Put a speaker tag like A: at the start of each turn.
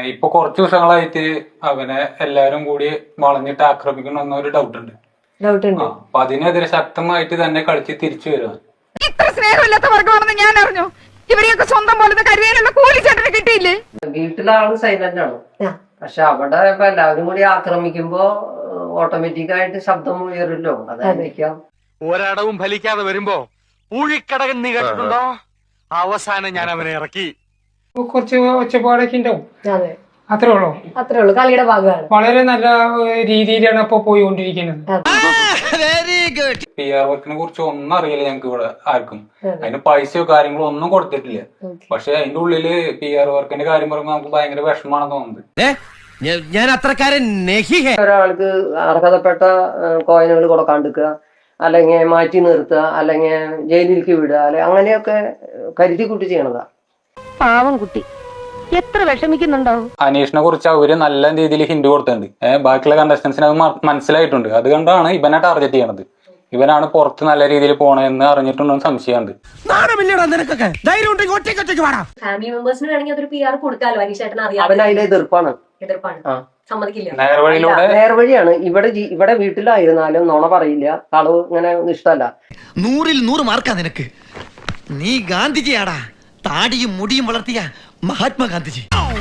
A: ഇപ്പൊ കുറച്ചു ദിവസങ്ങളായിട്ട് അവനെ എല്ലാരും കൂടി വളഞ്ഞിട്ട് ആക്രമിക്കണമെന്നൊരു ഡൗട്ട് ഉണ്ട്. അപ്പൊ അതിനെതിരെ ശക്തമായിട്ട് തന്നെ കളിച്ച് തിരിച്ചു വരിക.
B: ഇത്ര സ്നേഹമില്ലാത്ത വർഗമാണെന്ന് ഞാൻ അറിഞ്ഞു. ഇവരെയൊക്കെ സ്വന്തം പോലെ കരുതാനുള്ള കൂലി ചേട്ടന് കിട്ടിയില്ലേ?
C: വീട്ടിലെ ആള് സൈലന്റ് ആണ്, പക്ഷെ അവിടെ ഇപ്പൊ എല്ലാവരും കൂടി ആക്രമിക്കുമ്പോ ഓട്ടോമാറ്റിക് ആയിട്ട് ശബ്ദം ഉയരില്ലോ. അതായിരിക്കാം.
D: ഒരടവും ഫലിക്കാതെ വരുമ്പോ ഊഴിക്കടകൻ നീ കേട്ടിട്ടുണ്ടോ? അവസാനം ഞാൻ അവനെ ഇറക്കി.
E: കുറച്ച് ഒച്ചപ്പാടൊക്കെ ഉണ്ടാവും, അത്രേ ഉള്ളൂ.
F: കളിയുടെ ഭാഗമാണ്.
E: വളരെ നല്ല രീതിയിലാണ് ഇപ്പൊ പോയിക്കൊണ്ടിരിക്കുന്നത്.
A: പി ആർ വർക്കിനെ കുറിച്ച് ഒന്നും അറിയില്ല ഞങ്ങൾക്ക് ഇവിടെ ആർക്കും. അതിന് പൈസയോ കാര്യങ്ങളോ ഒന്നും കൊടുത്തിട്ടില്ല. പക്ഷെ അതിന്റെ ഉള്ളില് പി ആർ വർക്കിന്റെ കാര്യം പറയുമ്പോൾ നമുക്ക് ഭയങ്കര വിഷമാണെന്ന് തോന്നുന്നത്.
D: ഞാൻ അത്രക്കാരൻ
C: ഒരാൾക്ക് അർഹതപ്പെട്ട കോയിനുകൾ കൊടുക്കാണ്ടിരിക്കുക, അല്ലെങ്കിൽ മാറ്റി നിർത്തുക, അല്ലെങ്കിൽ ജയിലിലേക്ക് വിടുക, അല്ലെ അങ്ങനെയൊക്കെ കരുതി കൂട്ടി ചെയ്യണതാ.
F: പാവം കുട്ടി എത്ര വിഷമിക്കുന്നുണ്ടാവും.
A: അനീഷിനെ കുറിച്ച് അവര് നല്ല രീതിയിൽ ഹിന്റ് കൊടുത്തിട്ടുണ്ട്. ബാക്കിയുള്ള കണ്ടസ്റ്റൻസിന് അത് മനസ്സിലായിട്ടുണ്ട്. അതുകൊണ്ടാണ് ഇവനെ ടാർഗറ്റ് ചെയ്യണത്. ഇവനാണ് പുറത്ത് നല്ല രീതിയിൽ പോണെന്ന് അറിഞ്ഞിട്ടുണ്ടോ സംശയമുണ്ട്.
F: ഫാമിലി മെമ്പേഴ്സിന് വേണമെങ്കിൽ അതൊരു PR കൊടുക്കാലോ. അനീഷേട്ടൻ അറിയാം.
C: അവൻ അതിലെ എതിർപ്പാണ്.
F: സമ്മതിക്കില്ല.
A: നേർവഴിയിലൂടെ
C: ഇവിടെ വീട്ടിലായിരുന്നാലും നുണ പറയില്ല, കളവ് ഇങ്ങനെ ഇഷ്ടമല്ല.
D: 100 മാർക്കാ നിനക്ക്. നീ ഗാന്ധിജിയാടാ, താടിയും മുടിയും വളർത്തിയ മഹാത്മാഗാന്ധിജി.